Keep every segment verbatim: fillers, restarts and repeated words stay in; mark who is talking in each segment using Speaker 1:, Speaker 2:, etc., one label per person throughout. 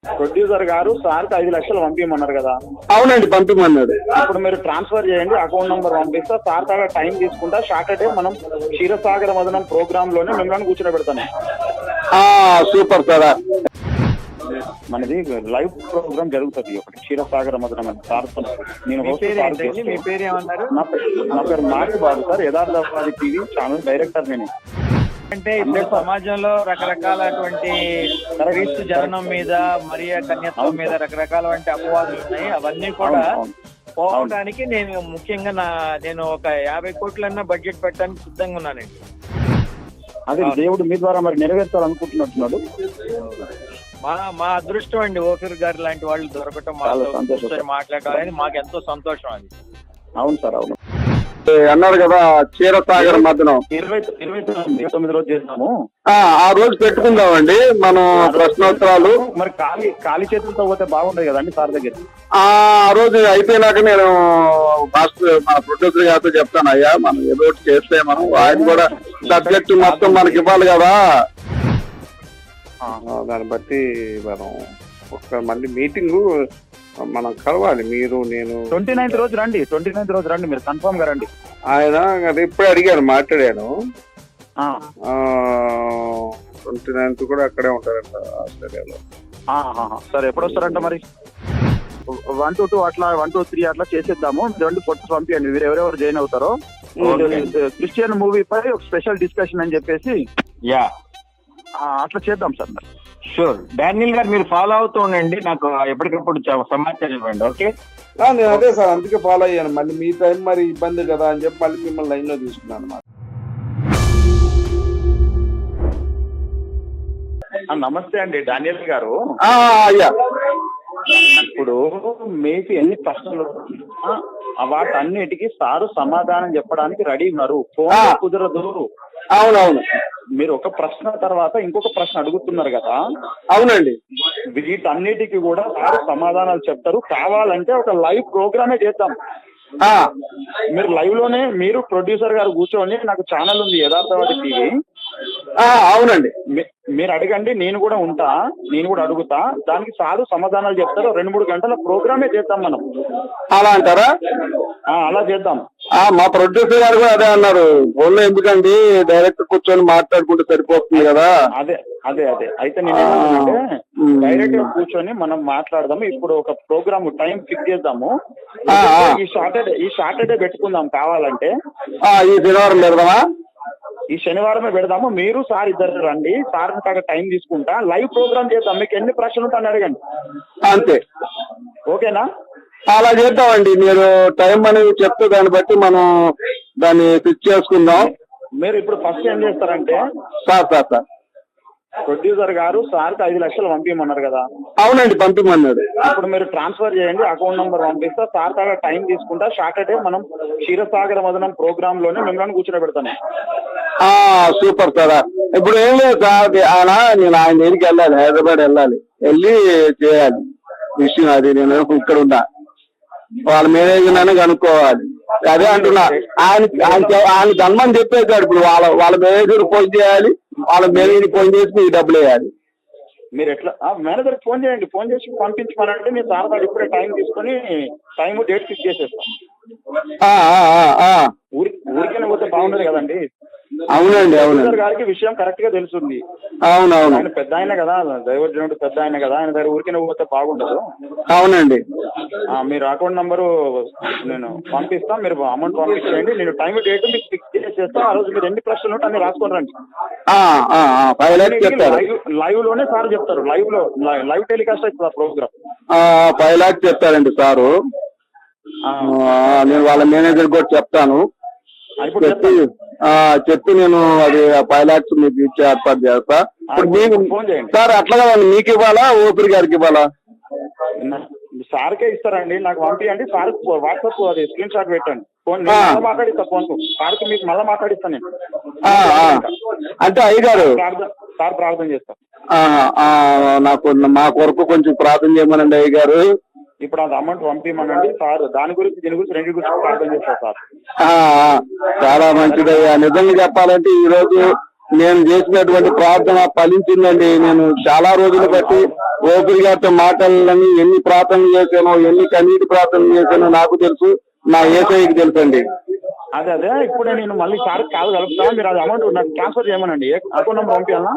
Speaker 1: Producer గారు సార్కి ఐదు లక్షలు పంపించమన్నారు కదా?
Speaker 2: అవునండి, పంపించమన్నాడు.
Speaker 1: ఇప్పుడు మీరు ట్రాన్స్ఫర్ చేయండి, అకౌంట్ నంబర్ పంపిస్తా. సార్ కాడ టైం తీసుకుంటా. సాటర్డే మనం క్షీరసాగర మదనం ప్రోగ్రామ్ లోనే మిమ్మల్ని కూర్చోబెడతాను.
Speaker 2: Super sir.
Speaker 1: మనది లైవ్ ప్రోగ్రామ్ జరుగుతుంది ఒకటి, క్షీరసాగర మదనం అని సార్. నేను
Speaker 3: మీ పేరు ఏమన్నారు?
Speaker 1: నా పేరు Mark Babu sir, Yatharthavadi TV channel director నేను.
Speaker 3: అంటే ఇప్పుడు సమాజంలో రకరకాలటువంటి క్రీస్తు జననం మీద మరియ కన్యత్వం మీద రకరకాల అపవాదులు ఉన్నాయి. అవన్నీ కూడా పోవడానికి నేను ముఖ్యంగా నా నేను ఒక యాభై కోట్లన్నా బడ్జెట్ పెట్టడానికి సిద్ధంగా ఉన్నానండి.
Speaker 1: అదే దేవుడు మీ ద్వారా మరి నెరవేర్చాలనుకుంటున్నట్టున్నాడు.
Speaker 3: మా మా అదృష్టం అండి ఓఫీర్ గారు లాంటి వాళ్ళు దొరకటం, మాతో మాట్లాడాలని మాకు ఎంతో సంతోషం అది.
Speaker 1: అవును సార్, అవును.
Speaker 2: అన్నారు కదా క్షీరసాగర మదనం
Speaker 1: ఇరవై ఇరవై తొమ్మిది రోజు చేస్తాము.
Speaker 2: ఆ రోజు పెట్టుకుందామండి మనం ప్రశ్నోత్తరాలు.
Speaker 1: మరి ఖాళీ ఖాళీ చేతులతో పోతే బాగుండదు కదండి సార్ దగ్గర.
Speaker 2: ఆ రోజు అయిపోయినాక నేను మాస్టర్ మన ప్రొడ్యూసర్ గారితో చెప్తాను, అయ్యా మనం ఏదో ఒకటి చేస్తే మనం ఆయన కూడా సబ్జెక్ట్ మొత్తం మనకి ఇవ్వాలి కదా.
Speaker 4: దాన్ని బట్టి మనం ఒకసారి మళ్ళీ మీటింగ్ మనం కలవాలి. మీరు నేను
Speaker 1: ట్వంటీ నైన్త్ రోజు రండి, ట్వంటీ నైన్త్ రోజు రండి, మీరు కన్ఫర్మ్ గా రండి.
Speaker 4: ఆయన అది ఇప్పుడే అడిగాను, మాట్లాడాను. ట్వంటీ నైన్త్ కూడా అక్కడే ఉంటారంట ఆస్ట్రేలియాలో.
Speaker 1: సరే, ఎప్పుడు వస్తారంట మరి? వన్ టు టూ అట్లా వన్ టూ త్రీ అట్లా చేసేద్దాము. రెండు ఫోటోస్ పంపించండి, మీరు ఎవరెవరు జాయిన్ అవుతారో. క్రిస్టియన్ మూవీ పై ఒక స్పెషల్ డిస్కషన్ అని చెప్పేసి
Speaker 3: యా
Speaker 1: అట్లా చేద్దాం సార్. మరి
Speaker 3: షూర్. డానియల్ గారు మీరు ఫాలో అవుతూ ఉండండి, నాకు ఎప్పటికప్పుడు సమాచారం ఇవ్వండి. ఓకే,
Speaker 4: నేను అదే సార్ అందుకే ఫాలో అయ్యాను. మళ్ళీ మీ టైం మరి ఇబ్బంది కదా అని చెప్పి మళ్ళీ మిమ్మల్ని లైన్ లో తీసుకున్నాను అన్నమాట.
Speaker 1: నమస్తే అండి డానియల్ గారు.
Speaker 2: అయ్యా,
Speaker 1: ఇప్పుడు మీకు ఎన్ని ప్రశ్నలు వాటన్నిటికీ సారు సమాధానం చెప్పడానికి రెడీ ఉన్నారు. ఫోన్ కుదరదు.
Speaker 2: అవునవును.
Speaker 1: మీరు ఒక ప్రశ్న తర్వాత ఇంకొక ప్రశ్న అడుగుతున్నారు కదా.
Speaker 2: అవునండి.
Speaker 1: వీటన్నిటికీ కూడా సారు సమాధానాలు చెప్తారు. కావాలంటే ఒక లైవ్ ప్రోగ్రామే చేద్దాం. మీరు లైవ్ లోనే మీరు ప్రొడ్యూసర్ గారు కూర్చోండి. నాకు ఛానల్ ఉంది యథార్థవాది టీవీ.
Speaker 2: అవునండి.
Speaker 1: మీరు అడగండి, నేను కూడా ఉంటా, నేను కూడా అడుగుతా. దానికి సారు సమాధానాలు చెప్తారు. రెండు మూడు గంటల ప్రోగ్రామే చేద్దాం మనం.
Speaker 2: అలా అంటారా?
Speaker 1: అలా చేద్దాం.
Speaker 2: మా ప్రొడ్యూసర్ గారు కూడా అదే అన్నారు, ఫోన్లో ఎందుకండి డైరెక్ట్ కూర్చొని మాట్లాడుకుంటే సరిపోతుంది కదా.
Speaker 1: అదే అదే అదే అయితే నేను ఏమంటున్నానంటే డైరెక్ట్ గా కూర్చొని మనం మాట్లాడదాము. ఇప్పుడు ఒక ప్రోగ్రామ్ టైం ఫిక్స్ చేద్దాము. ఈ సాటర్డే ఈ సాటర్డే పెట్టుకుందాం కావాలంటే.
Speaker 2: ఈ శనివారం పెడదామా?
Speaker 1: ఈ శనివారమే పెడదాము. మీరు సార్ ఇద్దరు రండి, సార్ కాక టైం తీసుకుంటా, లైవ్ ప్రోగ్రామ్ చేద్దాం. మీకు ఎన్ని ప్రశ్నలు ఉంటాయని అడగండి.
Speaker 2: అంతే,
Speaker 1: ఓకేనా?
Speaker 2: అలా చేద్దామండి. మీరు టైం అనేది చెప్తే దాన్ని బట్టి మనం దాన్ని ఫిక్స్ చేసుకుందాం.
Speaker 1: మీరు ఇప్పుడు ఫస్ట్ ఏం చేస్తారంటే
Speaker 2: సార్ సార్ సార్
Speaker 1: ప్రొడ్యూసర్ గారు సార్కి ఐదు లక్షలు పంపించమన్నారు కదా?
Speaker 2: అవునండి, పంపించమన్నాడు.
Speaker 1: ఇప్పుడు మీరు ట్రాన్స్ఫర్ చేయండి, అకౌంట్ నంబర్ పంపిస్తా. సార్ కాడ టైం తీసుకుంటా. సాటర్డే మనం క్షీరసాగర మదనం ప్రోగ్రామ్ లోనే మిమ్మల్ని కూర్చోబెడతాను.
Speaker 2: Super sir. ఇప్పుడు ఏం లేదు సార్, ఆయన నేను ఆయన దగ్గరికి వెళ్ళాలి, హైదరాబాద్ వెళ్ళాలి, వెళ్ళి చేయాలి విషయం అది. నేను ఇక్కడ ఉన్నా, వాళ్ళ మేనేజర్ అని కనుక్కోవాలి. అదే అంటున్నా, ఆయన ఆయన ధన్మని చెప్పేశాడు. ఇప్పుడు వాళ్ళ వాళ్ళ మేనేజర్ ఫోన్ చేయాలి, వాళ్ళ మేనేజర్ ఫోన్ చేసి మీకు డబ్బులు వేయాలి.
Speaker 1: మీరు ఎట్లా మేనేజర్ ఫోన్ చేయండి, ఫోన్ చేసి పంపించమనంటే నేను సార్ గారు ఇప్పుడే టైం తీసుకుని టైం డేట్ ఫిక్స్ చేసేస్తాం. ఊరి ఊరికైనా పోతే బాగుండదు కదండి.
Speaker 2: అవునండి, అవును.
Speaker 1: గారికి విషయం కరెక్ట్ గా తెలుస్తుంది.
Speaker 2: అవునవును.
Speaker 1: ఆయన పెద్ద ఆయన కదా, దైవజనుడు పెద్ద ఆయన కదా, ఆయన దగ్గర ఊరికైనా పోతే బాగుండదు.
Speaker 2: అవునండి.
Speaker 1: మీరు అకౌంట్ నంబరు నేను పంపిస్తాను, మీరు అమౌంట్ పంపించండి. నేను టైం డేట్ మీకు ఫిక్స్ చేసేస్తాను. ఆ రోజు మీరు ఎన్ని ప్రశ్నలు ఉంటే అన్ని రాసుకొని రండి. లైవ్ లోనే సార్ చెప్తారు. లైవ్ లో లైవ్ టెలికాస్ట్ అవుతుంది ఆ ప్రోగ్రామ్.
Speaker 2: ఫైవ్ లాక్స్ చెప్తారండి సారు. నేను వాళ్ళ మేనేజర్ కూడా చెప్తాను, చెప్పి చెప్పి నేను అది ఫైవ్ లాక్స్ మీకు ఇచ్చే ఏర్పాటు చేస్తా. ఇప్పుడు మీకు సార్ అట్లా కదండి, మీకు ఇవ్వాలా ఓపిరి గారికి ఇవ్వాలా?
Speaker 1: సార్కే ఇస్తారండి, నాకు పంపించండి. సార్ వాట్సాప్ అది స్క్రీన్ షాట్ పెట్టండి. ఫోన్ మాట్లాడిస్తా, ఫోన్ సార్కి మీకు మళ్ళీ మాట్లాడిస్తాను నేను.
Speaker 2: అంటే అయ్యగారు
Speaker 1: సార్ ప్రార్థన చేస్తాను.
Speaker 2: నాకు మా కొరకు కొంచెం ప్రార్థన చేయమనండి అయ్యగారు.
Speaker 1: ఇప్పుడు అది అమౌంట్ పంపించమనండి సార్. దాని గురించి దీని గురించి రెండు గురించి ప్రార్థన చేస్తారు సార్.
Speaker 2: చాలా మంచిదయ్యా. నిజంగా చెప్పాలంటే ఈ రోజు నేను చేసినటువంటి ప్రార్థన ఫలించిందండి. నేను చాలా రోజులు బట్టి ఓపిరి గారితో మాట్లాడాలని ఎన్ని ప్రార్థనలు చేశానో, ఎన్ని కన్నీటి ప్రార్థనలు చేశానో నాకు తెలుసు, నా ఏసఐకి తెలుసండి.
Speaker 1: అదే అదే ఇప్పుడే నేను మళ్ళీ సార్ కాల్ కలుపుతాను, మీరు అది అమౌంట్ నాకు ట్రాన్స్ఫర్ చేయమనండి. అకౌంట్ నెంబర్ పంపించాలా?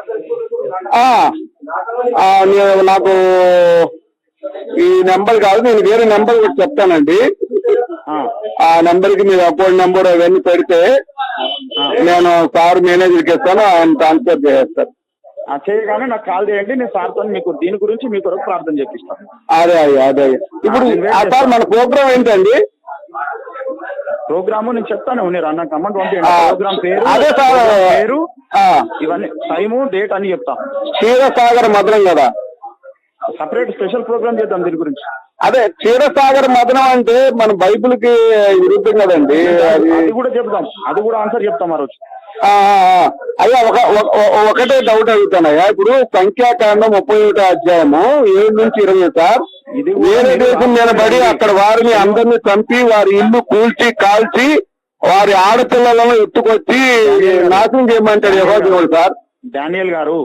Speaker 2: నేను నాకు ఈ నెంబర్ కాదు, నేను వేరే నెంబర్ కూడా చెప్తానండి. ఆ నెంబర్ కి మీరు అకౌంట్ నెంబర్ అవన్నీ పెడితే నేను సార్ మేనేజర్కి ఇస్తాను, ఆయన ట్రాన్స్ఫర్ చేసేస్తారు.
Speaker 1: చేయగానే నాకు కాల్ చేయండి, నేను సార్తో మీకు దీని గురించి మీ కొరకు ప్రార్థన చేపిస్తాను.
Speaker 2: అదే అయ్యా అదే ఇప్పుడు సార్ మన ప్రోగ్రామ్ ఏంటండి?
Speaker 1: ప్రోగ్రాము నేను చెప్తాను, మీరు నాకు అమౌంట్ పంపించండి. ప్రోగ్రామ్ పేరు
Speaker 2: అదే సార్
Speaker 1: పేరు ఇవన్నీ టైము డేట్ అని చెప్తాం.
Speaker 2: క్షీరసాగర్ మధురం కదా,
Speaker 1: సపరేట్ స్పెషల్ ప్రోగ్రామ్ చేద్దాం దీని గురించి.
Speaker 2: అదే క్షీరసాగర్ మధురం అంటే మన బైబిల్ కి విరుద్ధం కదండి.
Speaker 1: అది కూడా చెప్తాం, అది కూడా ఆన్సర్ చెప్తాం ఆ రోజు.
Speaker 2: అయ్యా ఒక ఒకటే డౌట్ అడుగుతానయ్యా. ఇప్పుడు సంఖ్యాకాండం ముప్పై ఒకటో అధ్యాయము ఏడు నుంచి ఇరవై సార్, వేరే దేశం నిలబడి అక్కడ వారిని అందరినీ చంపి వారి ఇల్లు కూల్చి కాల్చి వారి ఆడపిల్లలను ఎత్తుకొచ్చి నాశనం చేయమంటాడు యెహోవా సార్.
Speaker 1: డానియల్ గారు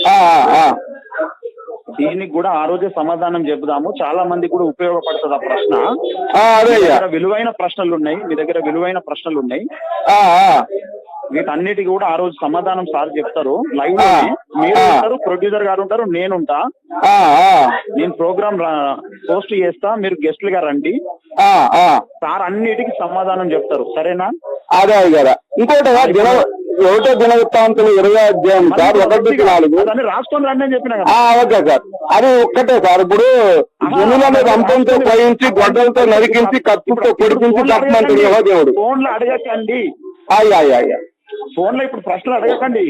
Speaker 1: దీనికి కూడా ఆ రోజే సమాధానం చెబుదాము, చాలా మంది కూడా ఉపయోగపడుతుంది ఆ ప్రశ్న. అదే విలువైన ప్రశ్నలు ఉన్నాయి, మీ దగ్గర విలువైన ప్రశ్నలు ఉన్నాయి, వీటన్నిటికి కూడా ఆ రోజు సమాధానం సార్ చెప్తారు. లైవ్ లో మీరు ఉంటారు, ప్రొడ్యూసర్ గారు ఉంటారు, నేనుంటా. నేను ప్రోగ్రామ్ పోస్ట్ చేస్తా, మీరు గెస్ట్లు గా రండి, సార్ అన్నిటికీ సమాధానం చెప్తారు. సరేనా?
Speaker 2: అదే కదా. ఇంకోటి ఒకటో దినవృత్తాంతులు ఇరవై అధ్యాయం సార్ ఒకటి నాలుగు
Speaker 1: రాసుకొని రండి అని చెప్పిన కదా.
Speaker 2: ఓకే సార్, అది ఒక్కటే సార్. ఇప్పుడు జనులను రంపంతో పయించి గొడ్డలతో నరికించి కత్తుతో పొడిపించి తప్పమంటాడు యెహోవా దేవుడు.
Speaker 1: ఫోన్ లో అడగకండి,
Speaker 2: అయ్యా అయ్యా అయ్యా
Speaker 1: ఫోన్ లో ఇప్పుడు ప్రశ్నలు అడగకండి.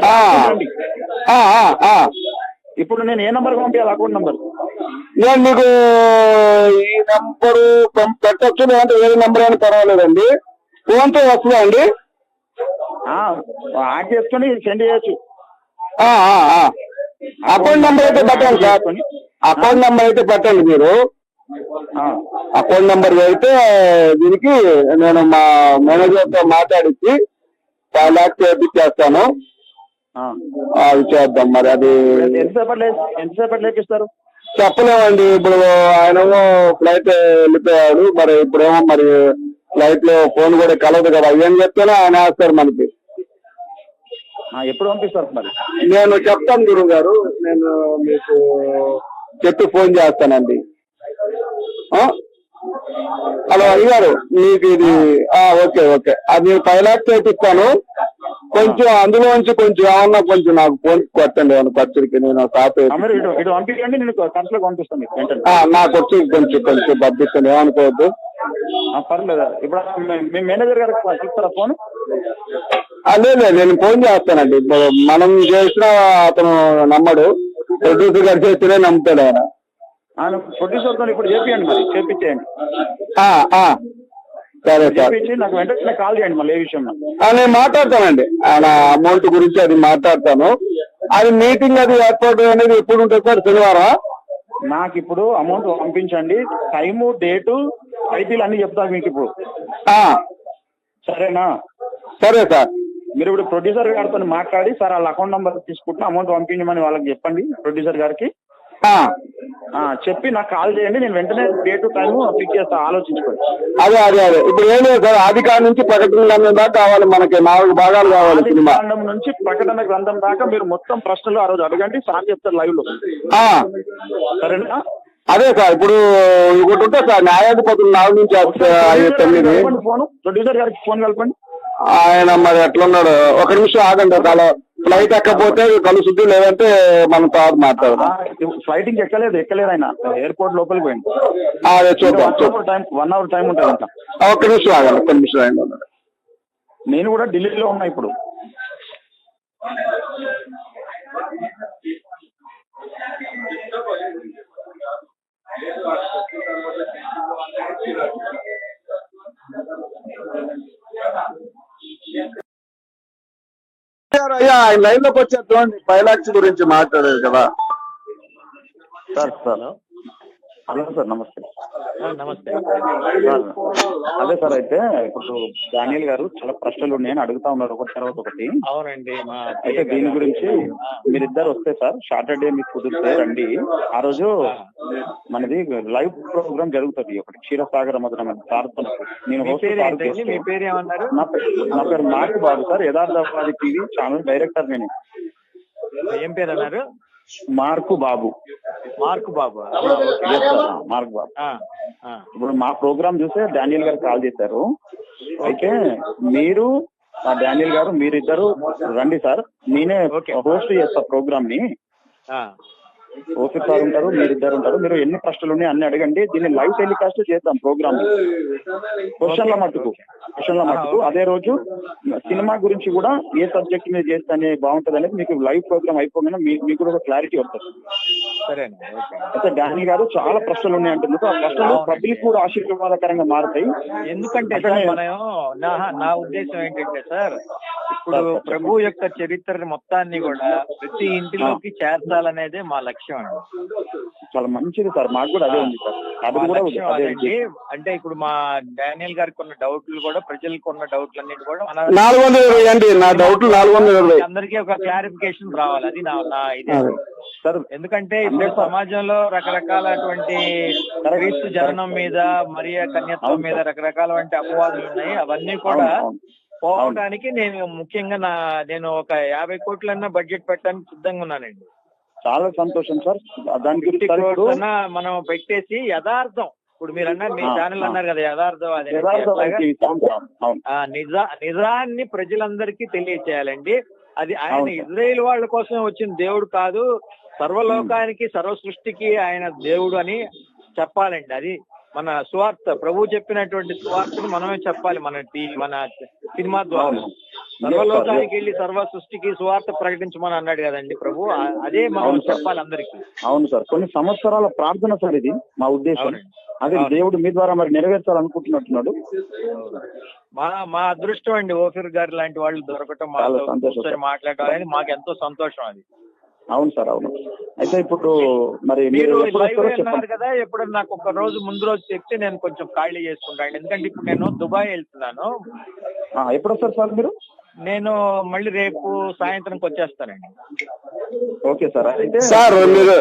Speaker 1: ఇప్పుడు నేను ఏ నంబర్ పంపించాలి అకౌంట్ నంబర్?
Speaker 2: నేను మీకు ఈ నంబరు పెట్టచ్చు, లేదంటే వేరే నెంబర్ అయినా పర్వాలేదండి. ఫోన్ తో వస్తుందా అండి?
Speaker 1: యాడ్ చేసుకుని సెండ్ చేయొచ్చు.
Speaker 2: అకౌంట్ నెంబర్ అయితే పెట్టండి సార్, అకౌంట్ నెంబర్ అయితే పెట్టండి మీరు. అకౌంట్ నెంబర్ అయితే దీనికి నేను మా మేనేజర్తో మాట్లాడించి ఫైవ్ ల్యాక్స్ చేపిచ్చేస్తాను. అది చేద్దాం. మరి అది
Speaker 1: ఎంతసేపటి ఎంతసేపటి లేపిస్తారు
Speaker 2: చెప్పలేమండి. ఇప్పుడు ఆయనేమో ఫ్లైట్ వెళ్ళిపోయాడు, మరి ఇప్పుడేమో మరి ఫ్లైట్ లో ఫోన్ కూడా కలవదు కదా. ఏం చెప్తేనే ఆయన వేస్తారు మనకి.
Speaker 1: ఎప్పుడు పంపిస్తారు మరి?
Speaker 2: నేను చెప్తాను గురువు గారు, నేను మీకు చెప్పి ఫోన్ చేస్తానండి. హలో అయ్యారు, మీకు ఇది ఓకే ఓకే అది నేను ఫైవ్ ల్యాక్స్ చేపిస్తాను. కొంచెం అందులోంచి కొంచెం ఏమన్నా కొంచెం నాకు ఫోన్ కొట్టండి, ఏమన్నా ఖర్చులకి నేను తాత నాకు వచ్చి కొంచెం కొంచెం పంపిస్తాను, ఏమనుకోవద్దు.
Speaker 1: పర్లేదు. ఇప్పుడు మీ మేనేజర్ గారికి చెప్తారా ఫోన్?
Speaker 2: లేదు నేను ఫోన్ చేస్తానండి. మనం చేసిన అతను నమ్మడు, ప్రొడ్యూసర్ గారు చేస్తేనే నమ్ముతాడు ఆయన.
Speaker 1: ప్రొడ్యూసర్ తో ఇప్పుడు చేపియండి, మరి చేపించేయండి.
Speaker 2: సరే సార్,
Speaker 1: నాకు వెంటనే కాల్ చేయండి మళ్ళీ ఏ విషయంలో.
Speaker 2: నేను మాట్లాడతానండి ఆయన అమౌంట్ గురించి, అది మాట్లాడతాను. అది మీటింగ్ అది ఏర్పాటు అనేది ఎప్పుడు ఉంటుంది సార్? శనివారం?
Speaker 1: నాకు ఇప్పుడు అమౌంట్ పంపించండి, టైము డేటు టైటిల్ అన్ని చెప్తాను మీకు ఇప్పుడు. సరేనా?
Speaker 2: సరే సార్.
Speaker 1: మీరు ఇప్పుడు ప్రొడ్యూసర్ గారితో మాట్లాడి సార్ వాళ్ళ అకౌంట్ నెంబర్ తీసుకుంటే అమౌంట్ పంపించమని వాళ్ళకి చెప్పండి, ప్రొడ్యూసర్ గారికి చెప్పి నాకు కాల్ చేయండి. నేను వెంటనే డేటు టైము ఫిక్స్ చేస్తా, ఆలోచించుకోండి.
Speaker 2: అదే అదే అదే ఇప్పుడు ఏం లేదు సార్, ఆది కాండం నుంచి ప్రకటన గ్రంథం దాకా కావాలి మనకి, నాలుగు భాగాలు కావాలి.
Speaker 1: ఆది కాండం నుంచి ప్రకటన గ్రంథం దాకా మీరు మొత్తం ప్రశ్నలు ఆ రోజు అడగండి, సార్ చెప్తారు లైవ్ లో. సరేనా?
Speaker 2: అదే సార్, ఇప్పుడు ఒకటి ఉంటుంది సార్, న్యాయాధిపతులు నాలుగు నుంచి తొమ్మిది.
Speaker 1: ఫోన్ ప్రొడ్యూసర్ గారికి ఫోన్ కలపండి.
Speaker 2: ఆయన మరి ఎట్లున్నాడు, ఒక నిమిషం ఆగండి. చాలా ఫ్లైట్ ఎక్కపోతే కలుసుద్ది, లేదంటే మనం తర్వాత మాట్లాడదాం.
Speaker 1: ఫ్లైట్ ఇంక ఎక్కలేదు ఎక్కలేదు ఆయన ఎయిర్పోర్ట్ లోపలికి పోయింది.
Speaker 2: అదే చూద్దాం,
Speaker 1: టైం వన్ అవర్ టైం ఉంటుంది అంట.
Speaker 2: ఒక్క నిమిషం ఆగండి, ఒక్క నిమిషం ఆగండి.
Speaker 1: నేను కూడా ఢిల్లీలో ఉన్నా ఇప్పుడు.
Speaker 2: అయ్యా ఆయన లైన్ లోకి వచ్చేద్దాం, ఫైవ్ లాక్స్ గురించి మాట్లాడారు కదా
Speaker 1: సార్. సార్ హలో సార్, నమస్తే.
Speaker 3: నమస్తే.
Speaker 1: అదే సార్, అయితే ఇప్పుడు డానియల్ గారు చాలా ప్రశ్నలు ఉన్నాయని అడుగుతా ఉన్నారు ఒకటి తర్వాత ఒకటి.
Speaker 3: అవునండి. మా
Speaker 1: అయితే దీని గురించి మీరిద్దరు వస్తే సార్ సాటర్డే మీకు కుదిరితే రండి. ఆ రోజు మనది లైవ్ ప్రోగ్రామ్ జరుగుతుంది ఒకటి క్షీరసాగర మధురం సార్. నేను
Speaker 3: మీ
Speaker 1: host
Speaker 3: పేరు
Speaker 1: సార్
Speaker 3: ఏంటండి?
Speaker 1: చేస్తూ-
Speaker 3: మీ పేరు ఏమన్నారు?
Speaker 1: నా పేరు నా పేరు Mark Babu sir, Yatharthavadi TV channel director నేను.
Speaker 3: ఏం పేరు అన్నారు?
Speaker 1: Mark Babu.
Speaker 3: Mark Babu.
Speaker 1: Yes sir, Mark Babu.
Speaker 3: ఆ, ఆ.
Speaker 1: ఇప్పుడు మా ప్రోగ్రామ్ చూసే డానియల్ గారు కాల్ చేశారు. అయితే మీరు ఆ డానియల్ గారు మీరిద్దరు రండి సార్, నేనే హోస్ట్ చేస్తా ప్రోగ్రామ్ ని.
Speaker 3: ఆ.
Speaker 1: ఓఫీర్ సార్ ఉంటారు, మీరిద్దరు ఉంటారు. మీరు ఎన్ని ప్రశ్నలు ఉన్నాయి అన్ని అడగండి. దీన్ని లైవ్ టెలికాస్ట్ చేద్దాం ప్రోగ్రామ్. క్వశ్చన్ల మట్టుకు క్వశ్చన్ల మట్టుకు అదే రోజు సినిమా గురించి కూడా ఏ సబ్జెక్ట్ మీద చేస్తే బాగుంటుంది అనేది మీకు లైవ్ ప్రోగ్రామ్ అయిపోగానే మీకు మీకు కూడా ఒక క్లారిటీ వస్తుంది.
Speaker 3: సరే అండి. ఓకే.
Speaker 1: అయితే డానీ గారు చాలా ప్రశ్నలు ఉన్నాయి అంటున్నారు. ఆ ప్రశ్నలు పబ్లిక్ కూడా ఆశీర్వాదకరంగా మారుతాయి.
Speaker 3: ఎందుకంటే సార్ మనం నా నా ఉద్దేశం ఏంటంటే సార్, ఇప్పుడు ప్రభు యొక్క చరిత్ర మొత్తాన్ని కూడా ప్రతి ఇంటిలోకి చేర్చాలనేదే మా లక్ష్యం అండి.
Speaker 1: చాలా మంచిది సార్, మాకు కూడా అదే ఉంది సార్. అది కూడా ఉంది.
Speaker 3: లక్ష్యం అదండి. అంటే ఇప్పుడు మా డానియల్ గారికి ఉన్న డౌట్లు కూడా ప్రజలకు ఉన్న డౌట్లు అన్నిటి కూడా మన
Speaker 2: నాలుగు వందల ఇరవై అండి నా డౌట్లు నాలుగు వందల ఇరవై
Speaker 3: అందరికీ ఒక క్లారిఫికేషన్ రావాలి. అది నా నా ఇదే సార్. ఎందుకంటే ఇప్పుడు సమాజంలో రకరకాలటువంటి క్రీస్తు జననం మీద మరియ కన్యత్వం మీద రకరకాలటువంటి అపవాదులు ఉన్నాయి. అవన్నీ కూడా పోవడానికి నేను ముఖ్యంగా నా నేను ఒక యాభై కోట్లన్నా బడ్జెట్ పెట్టడానికి సిద్ధంగా ఉన్నానండి.
Speaker 1: చాలా సంతోషం సార్. దాని గురించి
Speaker 3: మనం పెట్టేసి యథార్థం, ఇప్పుడు మీరు అన్నారు మీ ఛానల్ అన్నారు కదా యథార్థం, అది నిజా నిజాన్ని ప్రజలందరికీ తెలియచేయాలండి. అది ఆయన ఇజ్రాయేల్ వాళ్ళ కోసం వచ్చిన దేవుడు కాదు, సర్వలోకానికి సర్వ సృష్టికి ఆయన దేవుడు అని చెప్పాలండి. అది మన సువార్త, ప్రభు చెప్పినటువంటి సువార్తను మనమే చెప్పాలి మన మన సినిమా ద్వారా. సర్వలోకానికి వెళ్ళి సర్వ సృష్టికి సువార్త ప్రకటించమని అన్నాడు కదండి ప్రభు, అదే మనం చెప్పాలి అందరికి.
Speaker 1: అవును సార్, కొన్ని సంవత్సరాల ప్రార్థన సార్ ఇది మా ఉద్దేశం. అదే దేవుడు మీ ద్వారా మరి నెరవేర్చాలనుకుంటున్నట్టున్నాడు.
Speaker 3: మా మా అదృష్టం అండి ఓఫీర్ గారు లాంటి వాళ్ళు దొరకటం, మాతో మాట్లాడాలని మాకు ఎంతో సంతోషం అది.
Speaker 1: అవును సార్, అవును. అయితే ఇప్పుడు మరి
Speaker 3: మీరు లైవ్ అన్నారు కదా, ఎప్పుడన్నా నాకు ఒక రోజు ముందు రోజు చెప్తే నేను కొంచెం ఖాళీ చేసుకుంటాను. ఎందుకంటే ఇప్పుడు నేను దుబాయ్ వెళ్తున్నాను.
Speaker 1: ఎప్పుడు వస్తారు సార్ మీరు?
Speaker 3: నేను మళ్ళీ రేపు సాయంత్రంకి వచ్చేస్తానండి.
Speaker 1: Okay sir. అయితే
Speaker 2: సార్ మీరు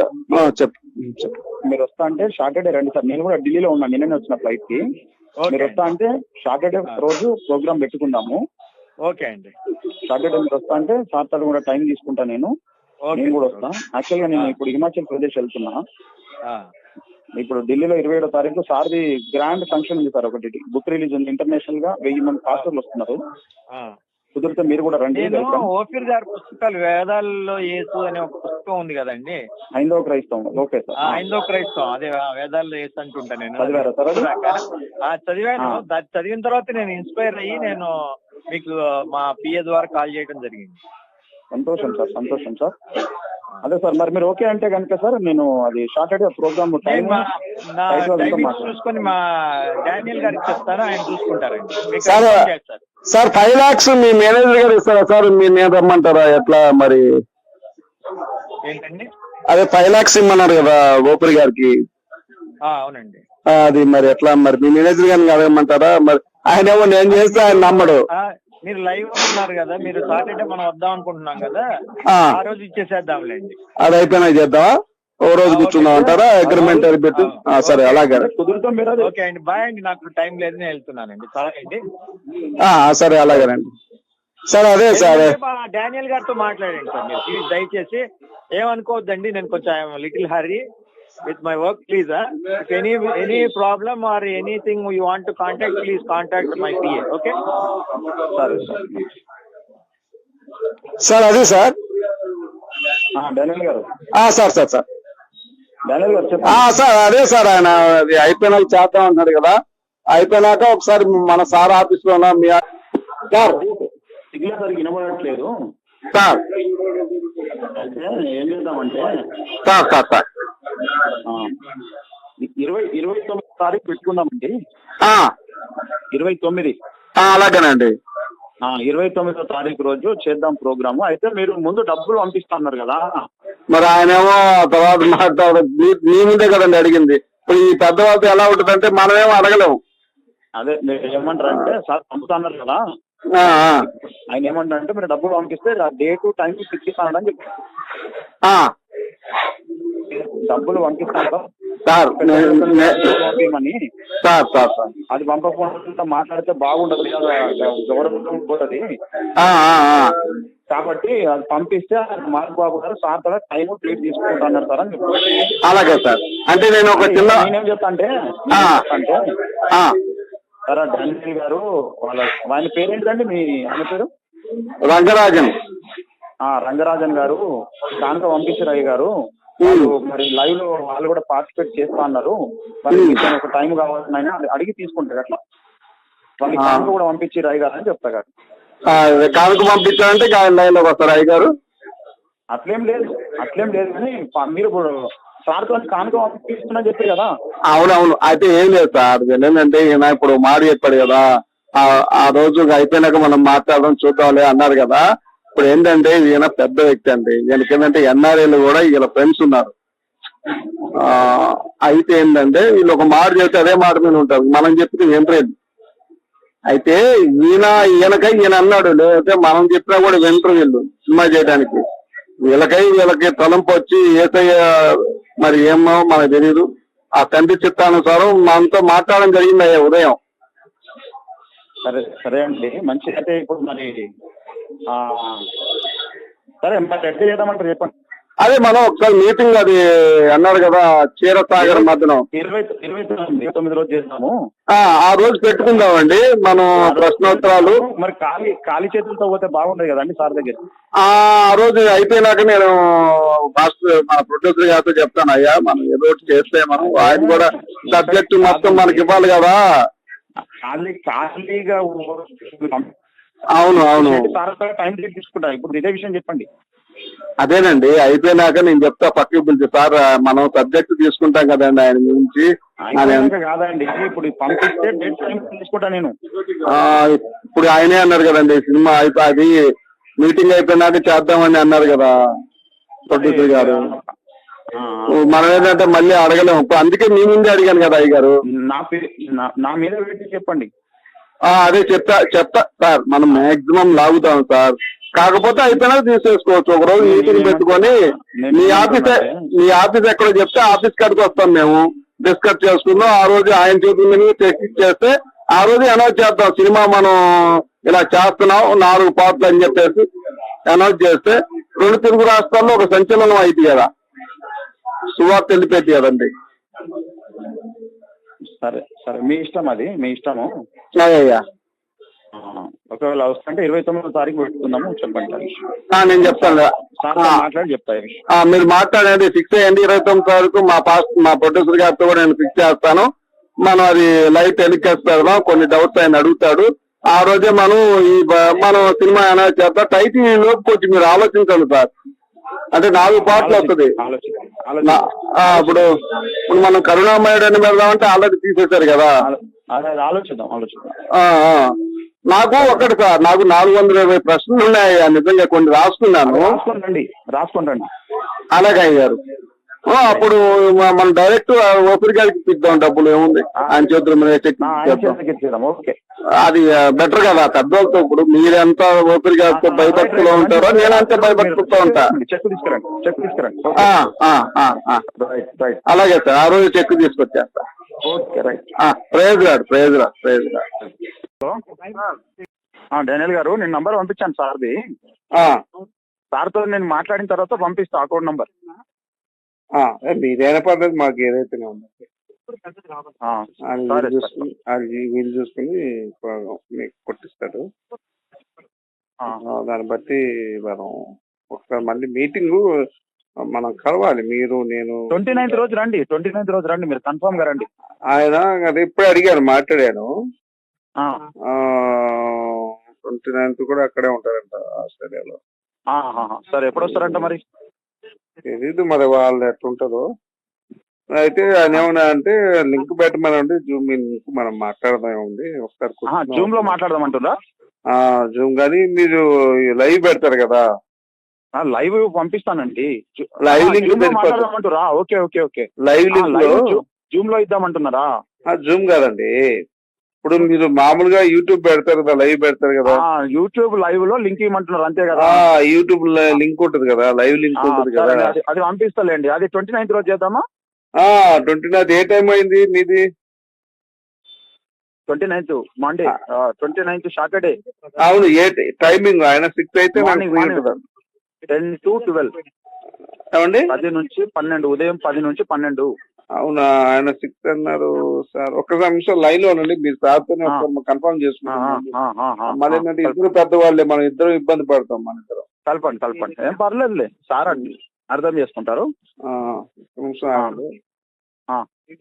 Speaker 1: మీరు వస్తా అంటే సాటర్డే రండి సార్. నేను కూడా ఢిల్లీలో ఉన్నాను, నిన్ననే వచ్చిన ఫ్లైట్ కి. మీరు వస్తా అంటే సాటర్డే రోజు ప్రోగ్రామ్ పెట్టుకుందాము.
Speaker 3: ఓకే అండి.
Speaker 1: సాటర్డే మీరు వస్తా అంటే సార్ కూడా టైం తీసుకుంటా నేను నేను కూడా వస్తా. యాక్చువల్ గా నేను ఇప్పుడు హిమాచల్ ప్రదేశ్ వెళ్తున్నా. ఇప్పుడు ఢిల్లీలో ఇరవై ఏడో తారీఖు సార్ది గ్రాండ్ ఫంక్షన్ ఉంది సార్, ఒకటి బుక్ రిలీజ్ ఉంది. ఇంటర్నేషనల్ గా వెయ్యి మంది పాస్టర్లు వస్తున్నారు. కుదిరితే మీరు కూడా రండి.
Speaker 3: ఓఫీర్ గారి పుస్తకాలు వేదాల్లో యేసు అనే ఒక పుస్తకం ఉంది కదండి,
Speaker 1: హైందవ క్రైస్తవం. ఓకే సార్,
Speaker 3: హైందవ క్రైస్తవం అదే వేదాల్లో యేసు అంటుంటా నేను.
Speaker 1: చదివారా సార్?
Speaker 3: చదివాను. చదివిన తర్వాత నేను ఇన్స్పైర్ అయ్యి నేను మీకు మా పిఏ ద్వారా కాల్ చేయడం జరిగింది.
Speaker 1: సంతోషం సార్, సంతోషం సార్. అదే సార్, మరి మీరు ఓకే అంటే కనుక సార్ నేను అది సాటర్డే ప్రోగ్రామ్
Speaker 3: చూసుకొని మా డానియల్ గారికి చెప్తాను, ఆయన చూసుకుంటారండి.
Speaker 2: సార్ ఫైవ్ లాక్స్ మీ మేనేజర్ గారు ఇస్తారా సార్? మీరు నేను రమ్మంటారా ఎట్లా మరి?
Speaker 3: ఏంటండి?
Speaker 2: అదే ఫైవ్ లాక్స్ ఇమ్మన్నారు కదా గోపురి గారికి.
Speaker 3: అవునండి.
Speaker 2: అది మరి ఎట్లా మరి మీ మేనేజర్ గారిని అడగమంటారా? మరి ఆయన ఏమో నేను చేస్తే ఆయన నమ్మడు.
Speaker 3: మీరు లైవ్ ఉన్నారు కదా, మీరు సాటర్డే మనం వద్దాం అనుకుంటున్నాం కదా, ఆ రోజు ఇచ్చేసేద్దాంలేండి.
Speaker 2: అది అయిపోయినా చేద్దామా? ఓ రోజు కూర్చుందాం అంటారా? అగ్రిమెంట్ పెట్టి. సరే అలాగే.
Speaker 3: ఓకే అండి, బాయ్ అండి. నాకు టైం లేదు, నేను వెళ్తున్నానండి. సరే అండి.
Speaker 2: సరే అలాగేనండి. సరే అదే సార్
Speaker 3: డానియల్ గారితో మాట్లాడండి సార్ మీరు ప్లీజ్, దయచేసి ఏమనుకోవద్దండి. నేను కొంచెం little hurry with my work, please. Huh? If any any problem or anything you want to contact, please contact my P A. Okay? Sorry, sir.
Speaker 2: Sir అదే సార్
Speaker 1: డానియల్ గారు.
Speaker 2: Sir sir sir
Speaker 1: Daniel గారు
Speaker 2: sir అదే sir ఆయన అది అయిపోయినాక చేద్దాం అంటున్నాడు కదా, అయిపోయినాక ఒకసారి మన సార్ ఆఫీస్ లో మీ
Speaker 1: సార్ సిగ్నల్ సరిగ్గా వినబడట్లేదు
Speaker 2: సార్.
Speaker 1: ఏం చేద్దామంటే
Speaker 2: సార్ సార్ సార్
Speaker 1: ఇరవై ఇరవై తొమ్మిది తారీఖు పెట్టుకుందామండి. ఇరవై తొమ్మిది
Speaker 2: అలాగేనండి.
Speaker 1: ఇరవై తొమ్మిదో తారీఖు రోజు చేద్దాం ప్రోగ్రాము. అయితే మీరు ముందు డబ్బులు పంపిస్తున్నారు కదా,
Speaker 2: మరి ఆయనేమో తర్వాత మాట్లాడ మీ ముందే కదండి అడిగింది. ఇప్పుడు ఈ పెద్దవాళ్ళతో ఎలా ఉంటుందంటే మనమేమో అడగలేము.
Speaker 1: అదే మీరు ఏమంటారు అంటే సార్ పంపుతున్నారు కదా,
Speaker 2: ఆ, ఆ,
Speaker 1: ఆయన ఏమంటారు అంటే మీరు డబ్బులు పంపిస్తే డేట్ టైం ఫిక్స్ ఇస్తానని చెప్పి
Speaker 2: ఆ.
Speaker 1: డబ్బులు పంపిస్తాను
Speaker 2: సార్ నేను- నే-
Speaker 1: పంపించమని.
Speaker 2: సార్ సార్ సార్
Speaker 1: అది పంపకుండా మాట్లాడితే బాగుండదు కదా, గౌరవం పోతుంది.
Speaker 2: ఆ, ఆ, ఆ.
Speaker 1: కాబట్టి అది పంపిస్తే మార్క్ బాబు గారు సార్ కూడా టైం ప్లేట్ తీసుకుంటున్నారు సార్ అని చెప్పి.
Speaker 2: అలాగే సార్. అంటే నేను ఒక చిన్న
Speaker 1: నేనేం చెప్తా అంటే
Speaker 2: ఆ.
Speaker 1: అంటే
Speaker 2: ఆ,
Speaker 1: సార్ డానియల్ గారు వాళ్ళ ఆయన పేరేంటిదండి మీ ఆయన పేరు?
Speaker 2: రంగరాజన్.
Speaker 1: ఆ రంగరాజన్ గారు కానుక పంపించారు గారు. వాళ్ళు మరి లైవ్ లో వాళ్ళు కూడా పార్టిసిపేట్ చేస్తా అన్నారు. మరి మీకు ఒక టైం కావాలని ఆయన అడిగి తీసుకుంటారు అట్లా. వాళ్ళకి కానుక కూడా పంపించి రాయి గారు అని చెప్తా గారు.
Speaker 2: కానుక పంపించాలంటే ఆయన లైన్ లోకి వస్తారు అయ్య గారు.
Speaker 1: అట్లేం లేదు అట్లేం లేదు కానీ ప- మీరు ఇప్పుడు సార్ తో కానుక పంపిస్తున్నా చెప్పారు కదా.
Speaker 2: అవునవును. అయితే ఏం లేదు సార్, ఏంటంటే ఈయన ఇప్పుడు మాట చెప్పాడు కదా, ఆ- ఆ రోజు అయిపోయినాక మనం మాట్లాడడం చూద్దాంలే అన్నారు కదా. ఇప్పుడు ఏంటంటే ఈయన పెద్ద వ్యక్తి అండి, ఈయనకి ఏంటంటే ఎన్ఆర్ఏలు కూడా వీళ్ళ ఫ్రెండ్స్ ఉన్నారు. ఆ అయితే ఏంటంటే వీళ్ళు ఒక మాట చెప్తే అదే మాట మీద ఉంటారు, మనం చెప్తే వింటలేదు. అయితే ఈయన ఈయనకై ఈయన అన్నాడు, లేకపోతే మనం చెప్పినా కూడా వింటరు వీళ్ళు సినిమా చేయడానికి. వీళ్ళకై వీళ్ళకి తలంపు వచ్చి ఏసయ్య మరి ఏమో మనకు తెలియదు. ఆ తండ్రి చిత్తానుసారం మనతో మాట్లాడడం జరిగింది అయ్యా ఉదయం.
Speaker 1: సరే సరే అండి మంచి. అయితే ఇప్పుడు మరి ఆ సరే మరి ఎట్లా చేద్దామంటారు చెప్పండి.
Speaker 2: అదే మనం ఒకసారి మీటింగ్ అది అన్నారు కదా క్షీరసాగర్ మధ్యనం,
Speaker 1: ఇరవై ఇరవై తొమ్మిది తొమ్మిది రోజు చేద్దాము.
Speaker 2: ఆ ఆ రోజు పెట్టుకుందామండి మనం ప్రశ్నోత్తరాలు.
Speaker 1: మరి ఖాళీ ఖాళీ చేతులతో పోతే బాగుండదు కదండి సార్ దగ్గర.
Speaker 2: ఆ రోజు అయిపోయినాక నేను మాస్టర్ మన ప్రొడ్యూసర్ గారితో చెప్తాను, అయ్యా మనం ఏదో ఒకటి చేస్తే మనం ఆయన కూడా సబ్జెక్ట్ మొత్తం మనకి ఇవ్వాలి కదా.
Speaker 1: ఖాళీ ఖాళీగా
Speaker 2: అవును అవును
Speaker 1: సార్ టైం తీసుకుంటా. ఇప్పుడు ఇదే విషయం చెప్పండి.
Speaker 2: అదేనండి అయిపోయినాక నేను చెప్తా పక్కకి పిలిచి, సార్ మనం సబ్జెక్ట్ తీసుకుంటాం కదండి ఆయన గురించి.
Speaker 1: అయిపోయాక కాదండి ఇప్పుడు పంపిస్తే డేట్ టైం తీసుకుంటా నేను.
Speaker 2: ఆ ఇప్పుడు ఆయనే అన్నారు కదండి సినిమా అయిపో అది మీటింగ్ అయిపోయినాక చేద్దామని అన్నారు కదా ప్రొడ్యూసర్ గారు. మనం ఏంటంటే మళ్ళీ అడగలేము, అందుకే మీ ముందే అడిగాను కదా అయ్య గారు.
Speaker 1: నా పే- నా- నా మీద పెట్టి చెప్పండి.
Speaker 2: ఆ అదే చెప్తా చెప్తా సార్, మనం మాక్సిమం లాగుతాం సార్. కాకపోతే అయిపోయినా తీసేసుకోవచ్చు. ఒక రోజు మీటింగ్ పెట్టుకొని మీ ఆఫీస్ మీ ఆఫీస్ ఎక్కడో చెప్తే ఆఫీస్ కాడికి వస్తాం మేము, డిస్కస్ చేసుకుందాం. ఆ రోజు ఆయన చేతుల మీద చెక్ చేస్తే ఆ రోజు అనౌన్స్ చేద్దాం సినిమా మనం ఇలా చేస్తున్నాం నాలుగు పార్ట్లు అని చెప్పేసి అనౌన్స్ చేస్తే రెండు తెలుగు రాష్ట్రాల్లో ఒక సంచలనం అయితే కదా, సువార్త వెళ్ళిపోయింది కదండి.
Speaker 1: సరే సరే మీ ఇష్టం, అది మీ ఇష్టము.
Speaker 2: అయ్యా
Speaker 1: ఒకవేళ వస్తుంటే ఇరవై తొమ్మిదో తారీఖు పెట్టుకుందాము చెప్పండి.
Speaker 2: నేను చెప్తాను,
Speaker 1: సార్ మాట్లాడి చెప్తా.
Speaker 2: మీరు మాట్లాడండి, ఫిక్స్ అయ్యండి. ఇరవై తొమ్మిది తారీఖు మా పాస్ మా ప్రొడ్యూసర్ గారితో కూడా నేను ఫిక్స్ చేస్తాను. మనం అది లైవ్ టెలికాస్ట్ పెడదాం, కొన్ని డౌట్స్ ఆయన అడుగుతాడు. ఆ రోజే మనం ఈ మనం సినిమా అనౌన్స్ చేద్దాం. టైటిల్ లోపు కొంచెం మీరు ఆలోచించండి సార్, అంటే నాలుగు పాటలు వస్తుంది. ఇప్పుడు ఇప్పుడు మనం కరుణామయుడు అని పెడదామంటే ఆల్రెడీ తీసేశారు కదా.
Speaker 1: ఆలోచిద్దాం ఆలోచిద్దాం.
Speaker 2: నాకు ఒకటి సార్, నాకు నాలుగు వందల ఇరవై ప్రశ్నలు ఉన్నాయా నిజంగా, కొన్ని రాసుకున్నాను.
Speaker 1: రాసుకోండి రాసుకోండి.
Speaker 2: అలాగే అయ్యారు. అప్పుడు మనం డైరెక్ట్ ఓపిరి గారికి ఇద్దాం, డబ్బులు ఏముంది ఆయన చేతుల మీద చెక్. అది బెటర్ కదా పెద్దోళ్ళతో. ఇప్పుడు మీరెంత ఓపిరి గారితో భయభక్తిలో ఉంటారో నేనంతే భయభక్తితో ఉంటా.
Speaker 1: చెక్ తీసుకురండి చెక్ తీసుకురండి.
Speaker 2: అలాగే సార్, ఆ రోజు చెక్ తీసుకొచ్చేస్తా.
Speaker 1: Okay right.
Speaker 2: ప్రైజ్ రాడు ప్రైజ్ రాడు ప్రైజ్ రాడు.
Speaker 1: డానియల్ గారు నేను నంబర్ పంపించాను సార్ది. సార్తో నేను మాట్లాడిన తర్వాత పంపిస్తా అకౌంట్ నంబర్.
Speaker 4: మీదైనా పర్లేదు మాకు ఏదైతే వీలు చూసుకుని మీకు కొట్టిస్తాడు. దాన్ని బట్టి మనం ఒకసారి మళ్ళీ మీటింగ్ మనం కలవాలి, మీరు నేను.
Speaker 1: ట్వంటీ నైన్త్ రోజు రండి, ట్వంటీ నైన్త్ రోజు రండి, మీరు కన్ఫర్మ్ గా రండి.
Speaker 4: ఆయన అది ఇప్పుడే అడిగాను, మాట్లాడాను. ట్వంటీ నైన్త్ కూడా అక్కడే ఉంటారంట ఆస్ట్రేలియాలో.
Speaker 1: సరే ఎప్పుడు వస్తారంట మరి
Speaker 4: తెలీదు, మరి వాళ్ళు ఎట్లుంటుందో. అయితే ఆయన ఏమన్నా అంటే లింక్ పెట్టమనండి, జూమ్ లింక్ మనం మాట్లాడదాం ఉంది ఒకసారి.
Speaker 1: జూమ్ లో మాట్లాడదాం అంటుందా?
Speaker 4: జూమ్ కానీ మీరు లైవ్ పెడతారు కదా.
Speaker 1: లైవ్ పంపిస్తానండి,
Speaker 4: లైవ్ లింక్
Speaker 1: మాట్లాడదామంటారా? Okay okay okay.
Speaker 4: Live link
Speaker 1: Zoom లో ఇద్దామంటున్నారా?
Speaker 4: జూమ్ కాదండి, ఇప్పుడు మీరు మామూలుగా యూట్యూబ్ పెడతారు కదా, లైవ్ పెడతారు కదా,
Speaker 1: యూట్యూబ్ లైవ్ లో లింక్ ఇవ్వమంటున్నారు అంతే కదా.
Speaker 4: ఆ యూట్యూబ్ లింక్ ఉంటుంది కదా, లైవ్ లింక్
Speaker 1: ఆ,
Speaker 4: ఉంటుంది
Speaker 1: సరే,
Speaker 4: కదా.
Speaker 1: అది అది పంపిస్తాలేండి. అది ట్వంటీ నైన్త్ రోజు చేద్దామా?
Speaker 4: ఆ ట్వంటీ నైన్త్ ఏ టైం అయింది మీది?
Speaker 1: Twenty ninth Monday, twenty ninth Saturday.
Speaker 4: అవును, ఏ టైమింగ్? ఆయన సిక్స్ అయితే నాకు
Speaker 1: మార్నింగ్
Speaker 4: ఫ్రీ
Speaker 1: మార్నింగ్
Speaker 4: ఉంటుంది.
Speaker 1: Ten to twelve.
Speaker 4: ఏమండి?
Speaker 1: పది నుంచి పన్నెండు, ఉదయం పది నుంచి పన్నెండు.
Speaker 4: అవునా, ఆయన సిక్స్ అన్నారు సార్. ఒక్క నిమిషం లైన్ లో ఉండండి, మీరు సార్తోనే కన్ఫర్మ్ చేసుకుంటాం. మళ్ళీ ఏంటంటే ఇద్దరు పెద్దవాళ్ళే, మనం ఇద్దరు ఇబ్బంది పడతాం మన ఇద్దరు.
Speaker 1: కలపండి కలపండి, ఏం పర్లేదులే సార్, అండి అర్థం చేసుకుంటారు.
Speaker 4: ఆ, ఒక్క నిమిషం ఆగండి.
Speaker 1: ఆ.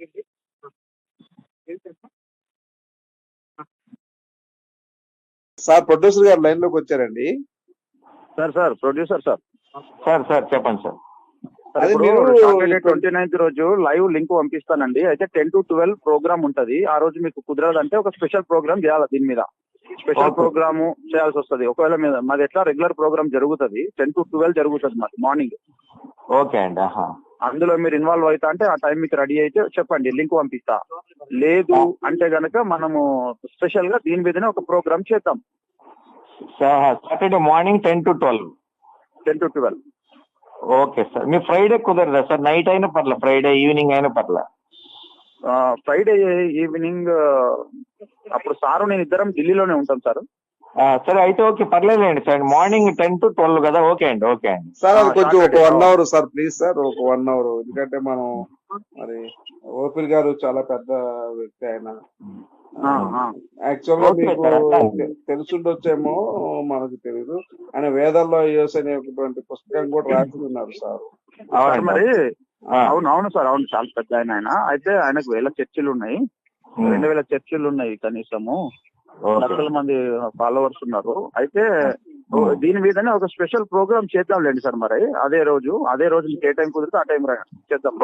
Speaker 4: సార్ ప్రొడ్యూసర్ గారు లైన్ లోకి వచ్చారండి.
Speaker 1: Sir sir producer sir.
Speaker 3: Sir sir చెప్పండి సార్.
Speaker 1: సార్ ఇప్పుడు సాటర్డే ట్వంటీ నైన్త్ రోజు లైవ్ లింక్ పంపిస్తానండి. అయితే టెన్ టు ట్వెల్వ్ ప్రోగ్రామ్ ఉంటది. ఆ రోజు మీకు కుదరదంటే ఒక స్పెషల్ ప్రోగ్రామ్ చేయాలి, దీని మీద స్పెషల్ ప్రోగ్రామ్ చేయాల్సి వస్తుంది. ఒకవేళ మీద మాది ఎట్లా రెగ్యులర్ ప్రోగ్రామ్ జరుగుతుంది, టెన్ టు ట్వెల్వ్ జరుగుతుంది మాది మార్నింగ్.
Speaker 3: ఓకే అండి.
Speaker 1: అందులో మీరు ఇన్వాల్వ్ అవుతా అంటే ఆ టైం మీకు రెడీ అయితే చెప్పండి, లింక్ పంపిస్తా. లేదు అంటే గనక మనము స్పెషల్ గా దీని మీదనే ఒక ప్రోగ్రామ్ చేద్దాం.
Speaker 3: Saturday morning ten to twelve
Speaker 1: ten to twelve
Speaker 3: okay sir. మీ ఫ్రైడే కుదరదా సార్? నైట్ అయినా పర్లే, ఫ్రైడే ఈవినింగ్ అయినా పర్లే.
Speaker 1: ఫ్రైడే ఈవినింగ్ అప్పుడు సారు నేను ఇద్దరం ఢిల్లీలోనే ఉంటాం సార్.
Speaker 3: సరే అయితే ఓకే, పర్లేదండి sir. Morning ten to twelve కదా, ఓకే అండి. ఓకే అండి
Speaker 4: సార్, అది కొంచెం ఒక one hour sir please sir, ఒక వన్ అవర్. ఎందుకంటే మనం మరి ఓపిల్ గారు చాలా పెద్ద వ్యక్తి ఆయన. యాక్చువల్ గా మీకు తెలుసుండొచ్చేమో, మనకు తెలీదు, ఆయన వేదాల్లో యోస్ అనేటువంటి పుస్తకం కూడా రాసి ఉన్నారు సార్.
Speaker 1: మరి అవును అవును సార్, అవును, చాలా పెద్ద ఆయన ఆయన. అయితే ఆయనకు వేల చర్చిలు ఉన్నాయి, రెండు వేల చర్చిలు ఉన్నాయి కనీసము, లక్షల మంది ఫాలోవర్స్ ఉన్నారు. అయితే దీని మీదనే ఒక స్పెషల్ ప్రోగ్రామ్ చేద్దాంలేండి సార్. మరి అదే రోజు అదే రోజు మీకు ఏ టైం కుదిరితే ఆ టైం చేద్దాం.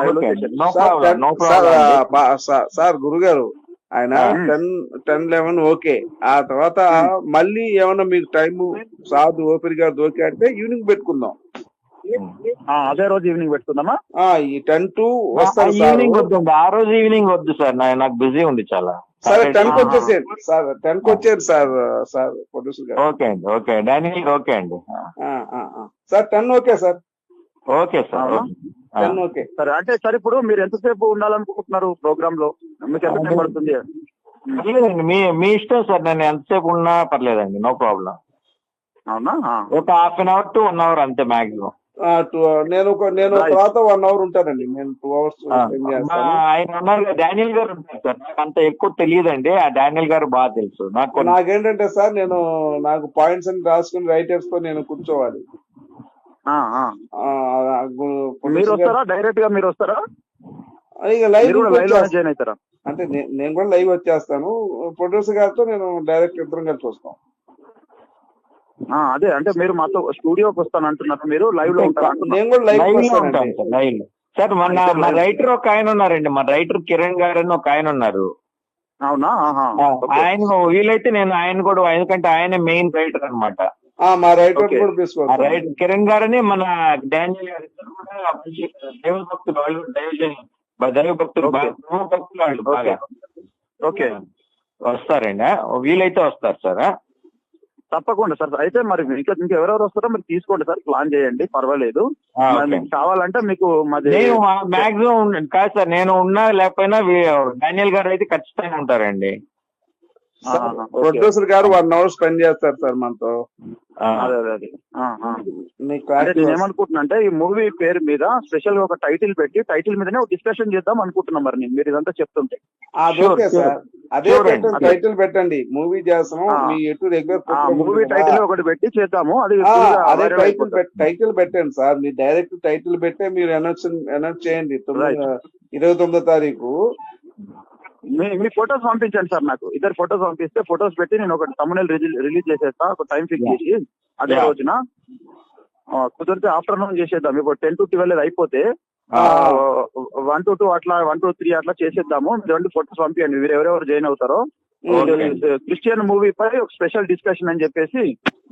Speaker 4: సార్ గురుగారు, ఆయన టెన్ టెన్ లెవెన్ ఓకే. ఆ తర్వాత మళ్ళీ ఏమన్నా మీకు టైము సాధు ఓపిరి గారు ఓకే అంటే ఈవినింగ్ పెట్టుకుందాం.
Speaker 1: అదే రోజు ఈవినింగ్ పెట్టుకుందామా?
Speaker 4: ఈ టెన్ టు వస్తారు
Speaker 3: ఈవినింగ్ వద్దు, ఆ రోజు ఈవినింగ్ వద్దు సార్, నాకు బిజీ ఉంది చాలా.
Speaker 4: సరే టెన్ కి వచ్చేసేయండి సార్, టెన్ కి వచ్చేది సార్. సార్ ప్రొడ్యూసర్ గారు
Speaker 3: ఓకే అండి. ఓకే డానియల్, ఓకే అండి
Speaker 4: sir. Ten okay sir.
Speaker 3: Okay sir,
Speaker 4: ten okay.
Speaker 1: సరే అంటే సార్, ఇప్పుడు మీరు ఎంతసేపు ఉండాలనుకుంటున్నారు ప్రోగ్రామ్ లో? మీకు ఎంత టైం పడుతుంది?
Speaker 3: పర్లేదండి, మీ మీ ఇష్టం సార్. నేను ఎంతసేపు ఉన్నా పర్లేదండి, నో ప్రాబ్లం.
Speaker 1: అవునా? ఒక
Speaker 3: half an hour to one hour అంతే మాక్సిమం.
Speaker 4: నేను నేను తర్వాత వన్ అవర్ ఉంటానండి. నేను టూ అవర్స్
Speaker 3: ఆయన ఉన్నారు, డానియల్ గారు ఉంటారు సార్. నాకు అంత ఎక్కువ తెలియదండి, ఆ డానియల్ గారు బాగా తెలుసు నాకు.
Speaker 4: నాకేంటంటే సార్, నేను నాకు పాయింట్స్ అని రాసుకుని రైటర్స్ తో నేను కూర్చోవాలి.
Speaker 1: మీరు వస్తారా డైరెక్ట్ గా? మీరు వస్తారా?
Speaker 4: ఇక లైవ్
Speaker 1: జాయిన్ అవుతారా?
Speaker 4: అంటే నేను కూడా లైవ్ వచ్చేస్తాను. ప్రొడ్యూసర్ గారితో నేను డైరెక్ట్ ఇద్దరం కలిసి వస్తాం.
Speaker 1: అదే అంటే మీరు మాతో స్టూడియోకి వస్తాను అంటున్నారు, మీరు లైవ్ లో ఉంటారు?
Speaker 4: నేను కూడా లైవ్ లో ఉంటాను
Speaker 3: సార్. మన మా రైటర్ ఒక ఆయన ఉన్నారండి, మా రైటర్ కిరణ్ గారు అని ఒక ఆయన ఉన్నారు.
Speaker 1: అవునా?
Speaker 3: ఆయన వీలైతే నేను ఆయన కూడా, ఎందుకంటే ఆయన మెయిన్ రైటర్ అనమాట.
Speaker 4: మా రైటర్ కూడా తీసుకోవాలి.
Speaker 3: రైటర్ కిరణ్ గారని మన డానియల్ గారు కూడా దైవ భక్తులు, వాళ్ళు దైవ దైవ భక్తులు, దైవ భక్తులు వాళ్ళు బాగా.
Speaker 1: ఓకే,
Speaker 3: వస్తారండి, వీలైతే వస్తారు సార్.
Speaker 1: తప్పకుండా సార్. అయితే మరి ఇంకా ఇంకెవరెవరు వస్తారో మీరు తీసుకోండి సార్, ప్లాన్ చేయండి, పర్వాలేదు. కావాలంటే మీకు మాది
Speaker 3: మాక్సిమం కాదు సార్, నేను ఉన్నా లేకపోయినా డానియల్ గారు అయితే ఖచ్చితంగా ఉంటారండి.
Speaker 4: ప్రొడ్యూసర్ గారు వన్ అవర్ స్పెండ్ చేస్తారు సార్ మనతో.
Speaker 1: అదే అదే నేను ఏమనుకుంటున్నా అంటే, ఈ మూవీ పేరు మీద స్పెషల్ గా ఒక టైటిల్ పెట్టి టైటిల్ మీదనే ఒక డిస్కషన్ చేద్దాం అనుకుంటున్నాం. మరి నేను మీరు ఇదంతా చెప్తుంటే
Speaker 4: అదే టైటిల్ పెట్టండి, మూవీ చేస్తాము. మీ ఎటు రెగ్యులర్
Speaker 1: మూవీ టైటిల్ ఒకటి పెట్టి చేద్దాము. అది
Speaker 4: అదే టైటిల్ టైటిల్ పెట్టండి సార్. మీరు డైరెక్ట్ టైటిల్ పెట్టే మీరు అనౌన్స్ అనౌన్స్ చేయండి. ఇరవై తొమ్మిదో తారీఖు
Speaker 1: మీ ఫొటోస్ పంపించండి సార్. నాకు ఇద్దరు ఫొటోస్ పంపిస్తే ఫొటోస్ పెట్టి నేను ఒక తమ్మునేల్ రిలీజ్ చేసేస్తా, ఒక టైం ఫిక్స్ చేసి అదే రోజున. కుదిరితే ఆఫ్టర్నూన్ చేసేద్దాం. ఇప్పుడు టెన్ టు ట్వెల్వ్ అయిపోతే వన్ టు టూ అట్లా వన్ టు త్రీ అట్లా చేసేద్దాము. రెండు ఫొటోస్ పంపించండి, మీరు ఎవరెవరు జాయిన్ అవుతారో. క్రిస్టియన్ మూవీ పై ఒక స్పెషల్ డిస్కషన్ అని చెప్పేసి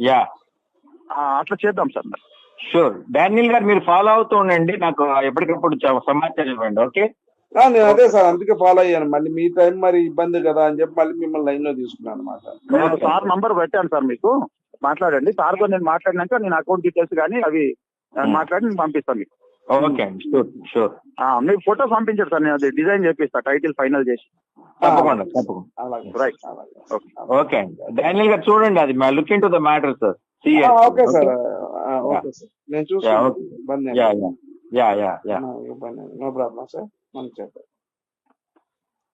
Speaker 1: అట్లా చేద్దాం సార్.
Speaker 3: షూర్ డానియల్ గారు, మీరు ఫాలో అవుతూ ఉండండి, నాకు ఎప్పటికప్పుడు సమాచారం ఇవ్వండి. ఓకే
Speaker 4: ఆ, నేను అదే సార్ అందుకే ఫాలో అయ్యాను. మళ్ళీ మీ టైం మరి ఇబ్బంది కదా అని చెప్పి మళ్ళీ మిమ్మల్ని లైన్ లో తీసుకున్నాను అనమాట.
Speaker 1: నేను సార్ నంబర్ పెట్టాను సార్, మీకు మాట్లాడండి సార్తో. నేను మాట్లాడినాక నేను అకౌంట్ డీటెయిల్స్ కానీ అవి ఆ, మాట్లాడి నేను పంపిస్తాను మీకు.
Speaker 3: ఓకే అండి, షూర్ షూర్.
Speaker 1: ఆ, మీకు ఫోటో పంపించారు సార్, నేను అది డిజైన్ చేపిస్తా టైటిల్ ఫైనల్ చేసి.
Speaker 3: తప్పకుండా తప్పకుండా.
Speaker 4: అలాగే
Speaker 1: రైట్.
Speaker 4: అలాగే.
Speaker 1: ఓకే.
Speaker 3: ఓకే అండి, డానియల్ గారు చూడండి అది look into the matter sir.
Speaker 4: ఆ, ఓకే సార్. ఆ, ఓకే సార్, నేను చూస్తాను. ఇబ్బంది ఏం
Speaker 3: యా
Speaker 4: లేదు.
Speaker 3: Yeah yeah yeah yeah
Speaker 4: no ఇబ్బంది నో ప్రాబ్లం సార్. మనం చేద్దాం.